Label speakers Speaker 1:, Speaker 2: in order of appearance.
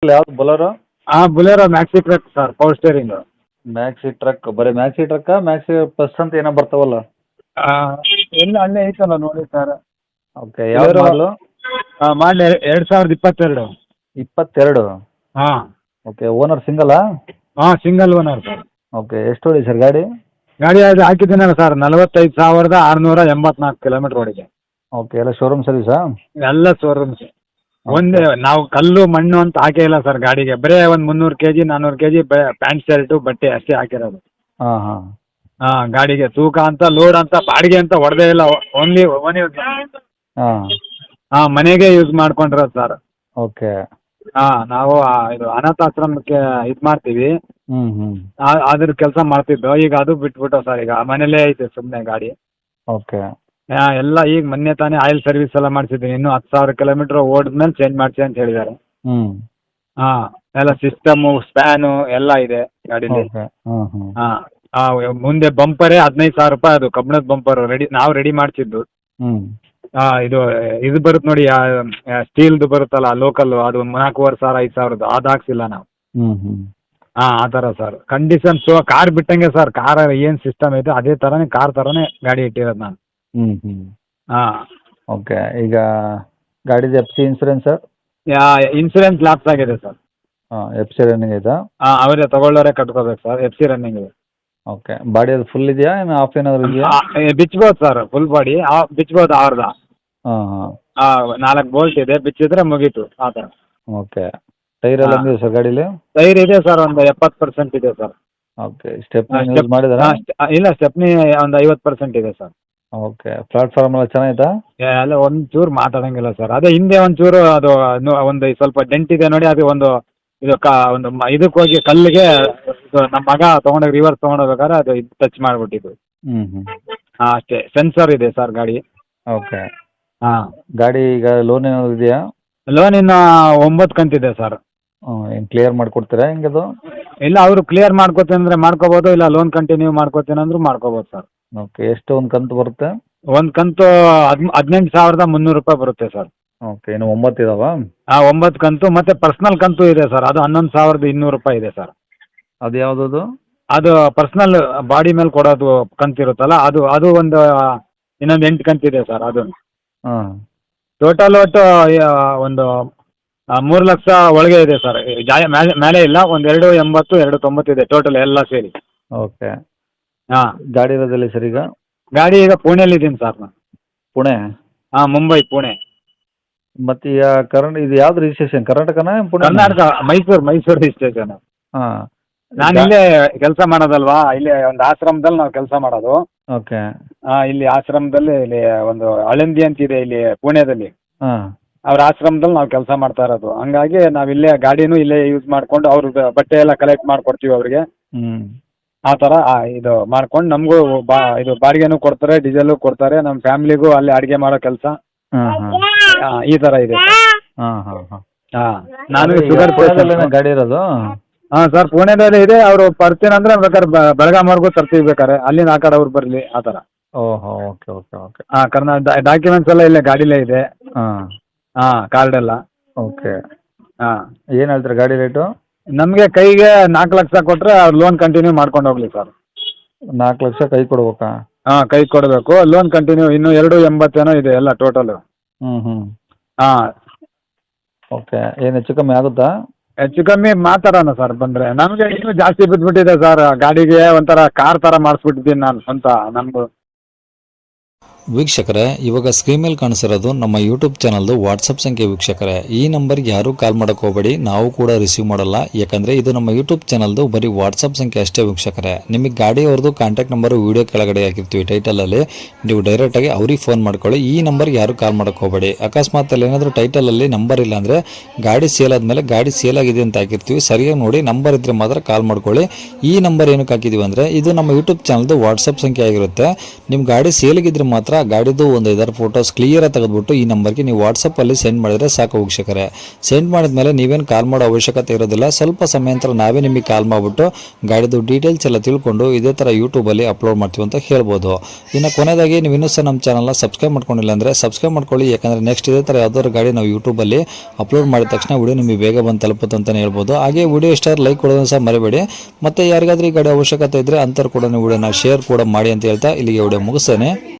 Speaker 1: ಯಾವ್ದು Bolero?
Speaker 2: Bolero maxi truck sir, power steering.
Speaker 1: Maxi truck, ಬರೀ maxi ಟ್ರಕ್ಕಾ ಮ್ಯಾಕ್ಸಿ ಪ್ಲಸ್ ಅಂತ ಏನೋ ಬರ್ತಾವಲ್ಲ?
Speaker 2: ಎಲ್ಲ ಅಲ್ಲೇ ಐತಲ್ಲ ನೋಡಿ ಸರ್.
Speaker 1: ಓಕೆ, ಯಾವ್ದು ಮಾಡಲು?
Speaker 2: ಮಾಡಲಿ 2022.
Speaker 1: 22?
Speaker 2: ಹಾಂ.
Speaker 1: ಓಕೆ, ಓನರ್ ಸಿಂಗಲಾ?
Speaker 2: Single owner sir.
Speaker 1: ಓಕೆ, ಎಷ್ಟು ಹೊಡಿ ಸರ್ ಗಾಡಿ?
Speaker 2: ಗಾಡಿ ಅದು ಹಾಕಿದ್ದೀನಲ್ಲ ಸರ್, 45,684 ಕಿಲೋಮೀಟ್ರ್ ಓಡಿದೆ.
Speaker 1: ಓಕೆ, ಎಲ್ಲ ಶೋರೂಮ್ ಸರ್ವಿಸಾ?
Speaker 2: ಎಲ್ಲ ಶೋರೂಮ್ಸ್. ಒಂದೇ, ನಾವು ಕಲ್ಲು ಮಣ್ಣು ಅಂತ ಹಾಕೇ ಇಲ್ಲ ಸರ್ ಗಾಡಿಗೆ. ಬರೀ ಒಂದು 300 kg 400 kg ಪ್ಯಾಂಟ್ ಶರ್ಟು ಬಟ್ಟೆ ಅಷ್ಟೇ ಹಾಕಿರೋದು.
Speaker 1: ಹಾಂ.
Speaker 2: ಗಾಡಿಗೆ ತೂಕ ಅಂತ, ಲೋಡ್ ಅಂತ, ಬಾಡಿಗೆ ಅಂತ ಹೊಡೆದೇ ಇಲ್ಲ. ಓನ್ಲಿ
Speaker 1: ಹಾಂ.
Speaker 2: ಮನೆಗೆ ಯೂಸ್ ಮಾಡ್ಕೊಂಡಿರೋದು ಸರ್.
Speaker 1: ಓಕೆ.
Speaker 2: ನಾವು ಇದು ಅನಾಥಾಶ್ರಮಕ್ಕೆ ಇದು ಮಾಡ್ತೀವಿ. ಅದ್ರ ಕೆಲಸ ಮಾಡ್ತಿದ್ದು. ಈಗ ಅದು ಬಿಟ್ಬಿಟ್ಟು ಸರ್, ಈಗ ಮನೇಲೇ ಐತೆ ಸುಮ್ಮನೆ ಗಾಡಿ.
Speaker 1: ಓಕೆ.
Speaker 2: ಎಲ್ಲ ಈಗ ಮೊನ್ನೆ ತಾನೇ ಆಯಿಲ್ ಸರ್ವಿಸ್ ಎಲ್ಲ ಮಾಡಿಸಿದ್ದೀನಿ. ಇನ್ನೂ 10,000 ಕಿಲೋಮೀಟ್ರ್ ಓಡಿದ್ಮೇಲೆ ಚೇಂಜ್ ಮಾಡಿಸಿ ಅಂತ ಹೇಳಿದ್ದಾರೆ. ಎಲ್ಲ ಸಿಸ್ಟಮು, ಸ್ಪ್ಯಾನು ಎಲ್ಲ ಇದೆ ಗಾಡೀಲಿ. ಮುಂದೆ ಬಂಪರೇ 15,000 ರೂಪಾಯಿ. ಅದು ಕಬ್ಬಿಣದ ಬಂಪರು ನಾವು ರೆಡಿ ಮಾಡಿಸಿದ್ದು. ಇದು ಬರುತ್ತೆ ನೋಡಿ, ಸ್ಟೀಲ್ದು ಬರುತ್ತಲ್ಲ ಲೋಕಲ್, ಅದು 4,500 5,000 ಅದು ಹಾಕ್ಸಿಲ್ಲ ನಾವು. ಆ ಥರ ಸರ್ ಕಂಡೀಷನ್. ಕಾರ್ ಬಿಟ್ಟಂಗೆ ಸರ್, ಕಾರ್ ಏನು ಸಿಸ್ಟಮ್ ಐತೆ ಅದೇ ಥರನೇ, ಕಾರ್ ಥರನೇ ಗಾಡಿ ಇಟ್ಟಿರೋದು ನಾನು.
Speaker 1: ಓಕೆ. ಈಗ ಗಾಡಿದು F C insurance sir?
Speaker 2: Insurance lapse ಆಗಿದೆ ಸರ್.
Speaker 1: ಎಫ್ ಸಿ ರನ್ನಿಂಗ್ ಐತಾ?
Speaker 2: ಅವರೇ ತಗೊಳ್ಳೋರೆ ಕಟ್ಕೋಬೇಕು ಸರ್. ಎಫ್ ಸಿ ರನ್ನಿಂಗ್ ಇದೆ.
Speaker 1: ಓಕೆ. ಬಾಡಿ ಅದು ಫುಲ್ ಇದೆಯಾ, ಏನು ಆಫ್ ಏನಾದರೂ ಇದೆಯಾ?
Speaker 2: ಬಿಚ್ಬೋದು ಸರ್, ಫುಲ್ ಬಾಡಿ ಬಿಚ್ಬೋದು ಅವ್ರದ್ದು. 4 ಬೋಲ್ಟ್ ಇದೆ, ಬಿಚ್ಚಿದ್ರೆ ಮುಗೀತು ಆ ಥರ.
Speaker 1: ಓಕೆ. ಟೈರ್ ಎಲ್ಲ ಇದೆ ಸರ್ ಗಾಡೀಲಿ?
Speaker 2: ಟೈರ್ ಇದೆ ಸರ್, ಒಂದು 70% ಇದೆ ಸರ್.
Speaker 1: ಓಕೆ. ಸ್ಟೆಪ್ನಿ ಯೂಸ್ ಮಾಡಿದಾರಾ?
Speaker 2: ಇಲ್ಲ, ಸ್ಟೆಪ್ನಿ ಒಂದು 50% ಇದೆ ಸರ್.
Speaker 1: ಓಕೆ. ಪ್ಲಾಟ್ಫಾರ್ಮ್ ಎಲ್ಲ ಚೆನ್ನಾಗಿತ್ತಾ?
Speaker 2: ಎಲ್ಲ ಒಂಚೂರು ಮಾತಾಡೋಂಗಿಲ್ಲ ಸರ್. ಅದೇ ಹಿಂದೆ ಒಂಚೂರು ಅದು ಒಂದು ಸ್ವಲ್ಪ ಡೆಂಟ್ ಇದೆ ನೋಡಿ. ಅದು ಒಂದು ಇದಕ್ಕೆ ಹೋಗಿ ಕಲ್ಲಿಗೆ ನಮ್ಮ ಮಗ ತೊಗೊಂಡೋಗಿ ರಿವರ್ಸ್ ತೊಗೊಂಡೋಗ್ಬೇಕಾದ್ರೆ ಅದು ಟಚ್ ಮಾಡಿಬಿಟ್ಟಿದ್ದು. ಅಷ್ಟೇ. ಸೆನ್ಸರ್ ಇದೆ ಸರ್ ಗಾಡಿ.
Speaker 1: ಓಕೆ. ಗಾಡಿ ಈಗ ಲೋನ್ ಏನಾದ್ರು ಇದೆಯಾ?
Speaker 2: ಲೋನ್ ಇನ್ನು 9 ಕಂತಿದೆ ಸರ್.
Speaker 1: ಏನು ಕ್ಲಿಯರ್ ಮಾಡಿಕೊಡ್ತೀರಾ ಹೆಂಗದು?
Speaker 2: ಇಲ್ಲ, ಅವರು ಕ್ಲಿಯರ್ ಮಾಡ್ಕೋತೀನಿ ಅಂದರೆ ಮಾಡ್ಕೋಬೋದು, ಇಲ್ಲ ಲೋನ್ ಕಂಟಿನ್ಯೂ ಮಾಡ್ಕೋತೀನಿ ಅಂದರೂ ಮಾಡ್ಕೋಬೋದು ಸರ್.
Speaker 1: ಓಕೆ. ಎಷ್ಟು ಒಂದು ಕಂತು ಬರುತ್ತೆ?
Speaker 2: ಒಂದು ಕಂತು 18,300 ರೂಪಾಯಿ ಬರುತ್ತೆ ಸರ್.
Speaker 1: ಓಕೆ. ಇನ್ನು 9 ಇದಾವಾ?
Speaker 2: 9 ಕಂತು, ಮತ್ತು ಪರ್ಸ್ನಲ್ ಕಂತು ಇದೆ ಸರ್, ಅದು 11,200 ರೂಪಾಯಿ ಇದೆ ಸರ್.
Speaker 1: ಅದು ಯಾವುದದು? ಅದು
Speaker 2: ಪರ್ಸ್ನಲ್ ಬಾಡಿ ಮೇಲೆ ಕೊಡೋದು ಕಂತಿರುತ್ತಲ್ಲ, ಅದು ಇನ್ನೊಂದು 8 ಕಂತಿದೆ ಸರ್. ಅದು ಟೋಟಲ್ ಒಟ್ಟು ಒಂದು 3 ಲಕ್ಷ ಒಳಗೆ ಇದೆ ಸರ್. ಮೇಲೆ ಇಲ್ಲ, ಒಂದು 280 290 ಇದೆ ಟೋಟಲ್ ಎಲ್ಲ ಸೇರಿ.
Speaker 1: ಓಕೆ. ಗಾಡಿ ಇರೋದಿಲ್ಲ ಸರ್ ಈಗ?
Speaker 2: ಗಾಡಿ ಈಗ ಪುಣೆಯಲ್ಲಿ ಇದ್ದೀನಿ ಸರ್ ನಾನು.
Speaker 1: ಪುಣೆ?
Speaker 2: ಮುಂಬೈ, ಪುಣೆ.
Speaker 1: ಮತ್ತು ಈಗ ಇದು ಯಾವ್ದು ರಿಜಿಸ್ಟ್ರೇಷನ್, ಕರ್ನಾಟಕನಾ ಪುಣೆ?
Speaker 2: ಕರ್ನಾಟಕ, ಮೈಸೂರು ರಿಜಿಸ್ಟ್ರೇಷನ್. ನಾನು ಇಲ್ಲೇ ಕೆಲಸ ಮಾಡೋದಲ್ವಾ, ಇಲ್ಲೇ ಒಂದು ಆಶ್ರಮದಲ್ಲಿ ನಾವು ಕೆಲಸ ಮಾಡೋದು.
Speaker 1: ಓಕೆ.
Speaker 2: ಇಲ್ಲಿ ಆಶ್ರಮದಲ್ಲಿ, ಇಲ್ಲಿ ಒಂದು ಅಳಂದಿ ಅಂತಿದೆ ಇಲ್ಲಿ ಪುಣೆದಲ್ಲಿ, ಅವ್ರ ಆಶ್ರಮದಲ್ಲಿ ನಾವು ಕೆಲಸ ಮಾಡ್ತಾ ಇರೋದು. ಹಂಗಾಗಿ ನಾವು ಇಲ್ಲೇ ಗಾಡಿನೂ ಇಲ್ಲೇ ಯೂಸ್ ಮಾಡ್ಕೊಂಡು ಅವ್ರ ಬಟ್ಟೆ ಎಲ್ಲ ಕಲೆಕ್ಟ್ ಮಾಡಿಕೊಡ್ತೀವಿ ಅವ್ರಿಗೆ. ಆ ಥರ ಇದು ಮಾಡ್ಕೊಂಡು ನಮಗೂ ಇದು ಬಾಡಿಗೆನೂ ಕೊಡ್ತಾರೆ, ಡೀಸೆಲು ಕೊಡ್ತಾರೆ. ನಮ್ಮ ಫ್ಯಾಮಿಲಿಗೂ ಅಲ್ಲಿ ಅಡುಗೆ ಮಾಡೋ ಕೆಲಸ ಈ ಥರ ಇದೆ. ನಾನು ಶುಗರ್
Speaker 1: ಗಾಡಿ ಇರೋದು?
Speaker 2: ಸರ್, ಪುಣೆದಲ್ಲಿ ಇದೆ. ಅವರು ಬರ್ತೀನಿ ಅಂದರೆ ಬೇಕಾದ್ರೆ ಬೆಳಗಾಮವರೆಗೂ ತರ್ತೀವಿ, ಬೇಕಾದ್ರೆ ಅಲ್ಲಿಂದ ಆ ಕಡೆ ಅವ್ರು ಬರಲಿ, ಆ ಥರ.
Speaker 1: ಓಹೋ. ಓಕೆ. ಓಕೆ. ಓಕೆ.
Speaker 2: ಡಾಕ್ಯುಮೆಂಟ್ಸ್ ಎಲ್ಲ ಇಲ್ಲೇ ಗಾಡಿಲೇ ಇದೆ. ಕಾರ್ಡ್ ಎಲ್ಲ.
Speaker 1: ಓಕೆ. ಏನು ಹೇಳ್ತಾರೆ ಗಾಡಿ ರೇಟು?
Speaker 2: ನಮಗೆ ಕೈಗೆ 4 ಲಕ್ಷ ಕೊಟ್ಟರೆ ಅವ್ರು ಲೋನ್ ಕಂಟಿನ್ಯೂ ಮಾಡ್ಕೊಂಡು ಹೋಗಲಿ ಸರ್.
Speaker 1: 4 ಲಕ್ಷ ಕೈ ಕೊಡ್ಬೇಕಾ?
Speaker 2: ಕೈ ಕೊಡಬೇಕು. ಲೋನ್ ಕಂಟಿನ್ಯೂ ಇನ್ನೂ 280 ಇದೆ ಎಲ್ಲ ಟೋಟಲು.
Speaker 1: ಓಕೆ. ಏನು ಹೆಚ್ಚು ಕಮ್ಮಿ ಆಗುತ್ತಾ?
Speaker 2: ಹೆಚ್ಚು ಕಮ್ಮಿ ಮಾತಾಡೋಣ ಸರ್ ಬಂದರೆ. ನಮಗೆ ಇನ್ನೂ ಜಾಸ್ತಿ ಬಿದ್ದುಬಿಟ್ಟಿದೆ ಸರ್. ಗಾಡಿಗೆ ಒಂಥರ ಕಾರ್ ಥರ ಮಾಡಿಸ್ಬಿಟ್ಟಿದ್ದೀನಿ ನಾನು ಸ್ವಂತ ನಮ್ಮದು.
Speaker 3: ವೀಕ್ಷಕರೇ, ಇವಾಗ ಸ್ಕ್ರೀನ್ ಮೇಲೆ ಕಾಣಿಸಿರೋದು ನಮ್ಮ ಯೂಟ್ಯೂಬ್ ಚಾನಲ್ದು ವಾಟ್ಸಪ್ ಸಂಖ್ಯೆ. ವೀಕ್ಷಕರೇ, ಈ ನಂಬರ್ಗೆ ಯಾರೂ ಕಾಲ್ ಮಾಡೋಕ್ಕೆ ಹೋಗಬೇಡಿ, ನಾವು ಕೂಡ ರಿಸೀವ್ ಮಾಡಲ್ಲ. ಯಾಕಂದರೆ ಇದು ನಮ್ಮ ಯೂಟ್ಯೂಬ್ ಚಾನಲ್ದು ಬರೀ ವಾಟ್ಸಪ್ ಸಂಖ್ಯೆ ಅಷ್ಟೇ. ವೀಕ್ಷಕರೇ, ನಿಮಗೆ ಗಾಡಿಯವ್ರದ್ದು ಕಾಂಟ್ಯಾಕ್ಟ್ ನಂಬರು ವೀಡಿಯೋ ಕೆಳಗಡೆ ಹಾಕಿರ್ತೀವಿ ಟೈಟಲಲ್ಲಿ, ನೀವು ಡೈರೆಕ್ಟಾಗಿ ಅವ್ರಿಗೆ ಫೋನ್ ಮಾಡ್ಕೊಳ್ಳಿ. ಈ ನಂಬರ್ಗೆ ಯಾರೂ ಕಾಲ್ ಮಾಡೋಕ್ಕೆ ಹೋಗಬೇಡಿ. ಅಕಸ್ಮಾತ್ ಅಲ್ಲಿ ಏನಾದರೂ ಟೈಟಲಲ್ಲಿ ನಂಬರ್ ಇಲ್ಲ ಅಂದರೆ, ಗಾಡಿ ಸೇಲ್ ಆದಮೇಲೆ ಗಾಡಿ ಸೇಲ್ ಆಗಿದೆ ಅಂತ ಹಾಕಿರ್ತೀವಿ, ಸರಿಯಾಗಿ ನೋಡಿ ನಂಬರ್ ಇದ್ದರೆ ಮಾತ್ರ ಕಾಲ್ ಮಾಡ್ಕೊಳ್ಳಿ. ಈ ನಂಬರ್ ಏನಕ್ಕೆ ಹಾಕಿದ್ದೀವಿ ಅಂದರೆ, ಇದು ನಮ್ಮ ಯೂಟ್ಯೂಬ್ ಚಾನಲ್ದು ವಾಟ್ಸಪ್ ಸಂಖ್ಯೆ ಆಗಿರುತ್ತೆ. ನಿಮ್ಮ ಗಾಡಿ ಸೇಲಿಗಿದ್ರೆ ಮಾತ್ರ ಮಾತ್ರ ಗಾಡಿದು ಒಂದು 5 ಫೋಟೋಸ್ ಕ್ಲಿಯರಾಗಿ ತೆಗೆದುಬಿಟ್ಟು ಈ ನಂಬರ್ಗೆ ನೀವು ವಾಟ್ಸಪ್ಪಲ್ಲಿ ಸೆಂಡ್ ಮಾಡಿದರೆ ಸಾಕು ವೀಕ್ಷಕರೇ. ಸೆಂಡ್ ಮಾಡಿದ್ಮೇಲೆ ನೀವೇನು ಕಾಲ್ ಮಾಡೋ ಅವಶ್ಯಕತೆ ಇರೋದಿಲ್ಲ. ಸ್ವಲ್ಪ ಸಮಯ ನಂತರ ನಾವೇ ನಿಮಗೆ ಕಾಲ್ ಮಾಡಿಬಿಟ್ಟು ಗಾಡಿದು ಡೀಟೇಲ್ಸ್ ಎಲ್ಲ ತಿಳ್ಕೊಂಡು ಇದೇ ಥರ ಯೂಟ್ಯೂಬಲ್ಲಿ ಅಪ್ಲೋಡ್ ಮಾಡ್ತೀವಿ ಅಂತ ಹೇಳ್ಬೋದು. ಇನ್ನು ಕೊನೆಯದಾಗಿ ನೀವು ಇನ್ನೂ ಸಹ ನಮ್ಮ ಚಾನಲ್ನ ಸಬ್ಸ್ಕ್ರೈಬ್ ಮಾಡ್ಕೊಂಡಿಲ್ಲ ಅಂದರೆ ಸಬ್ಸ್ಕ್ರೈಬ್ ಮಾಡ್ಕೊಳ್ಳಿ. ಯಾಕಂದರೆ ನೆಕ್ಸ್ಟ್ ಇದೇ ಥರ ಯಾವ್ದಾದ್ರು ಗಾಡಿ ನಾವು ಯೂಟ್ಯೂಬಲ್ಲಿ ಅಪ್ಲೋಡ್ ಮಾಡಿದ ತಕ್ಷಣ ವಿಡಿಯೋ ನಿಮಗೆ ಬೇಗ ಬಂದು ತಲುಪುತ್ತೆ ಅಂತಲೇ ಹೇಳ್ಬೋದು. ಹಾಗೆ ವಿಡಿಯೋ ಇಷ್ಟ ಲೈಕ್ ಕೊಡೋದನ್ನು ಸಹ ಮರಿಬೇಡಿ. ಮತ್ತು ಯಾರಿಗಾದ್ರೂ ಈ ಗಾಡಿ ಅವಶ್ಯಕತೆ ಇದ್ದರೆ ಅಂಥವ್ರು ಕೂಡ ವಿಡಿಯೋನ ಶೇರ್ ಕೂಡ ಮಾಡಿ ಅಂತ ಹೇಳ್ತಾ ಇಲ್ಲಿಗೆ ವಿಡಿಯೋ ಮುಗಿಸ್ತೇನೆ.